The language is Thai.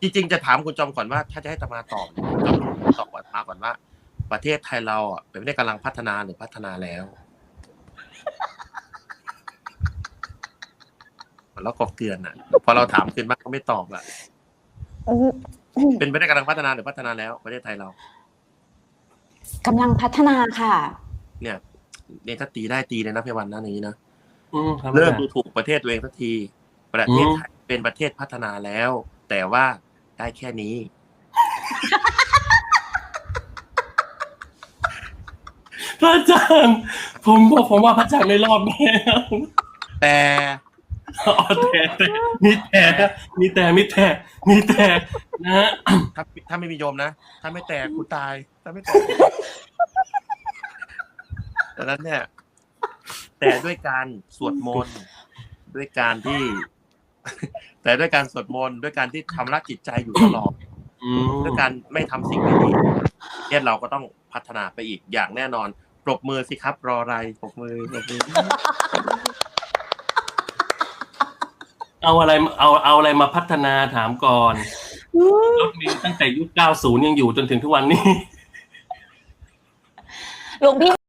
จริงๆจะถามคุณจอมก่อนว่าถ้าจะให้ตมาตอบเนี่ยคุณจอมตอบมาก่อนว่าประเทศไทยเราอ่ะเป็นประเทศกำลังพัฒนาหรือพัฒนาแล้วแล้วก็เกลือนอ่ะพอเราถามคืนบ้างก็ไม่ตอบอ่ะเป็นประเทศกำลังพัฒนาหรือพัฒนาแล้วประเทศไทยเรากำลังพัฒนาค่ะเนี่ยถ้าตีได้ตีเลยนะพี่วันนะนี้นะเริ่มดูถูกประเทศตัวเองสักทีประเทศไทยเป็นประเทศพัฒนาแล้ว แต่ว่าได้แค่นี้พระอาจารย์ผมว่าพระอาจารย์ไม่รอดแน่แต่มีแต่นะถ้าไม่มีโยมนะถ้าไม่แตกกูตายถ้าไม่แตกดังนั้นเนี่ยแต่ด้วยการสวดมนต์ด้วยการที่แต่ด้วยการสวดมนต์ด้วยการที่ทำรักจิตใจอยู่ตลอดด้วยการไม่ทำสิ่งไม่ดีเนี่ยเราก็ต้องพัฒนาไปอีกอย่างแน่นอนปรบมือสิครับรออะไรปรบมือเอาอะไรมาพัฒนาถามก่อนรถมีตั้งแต่ยุค90ยังอยู่จนถึงทุกวันนี้หลวงพี่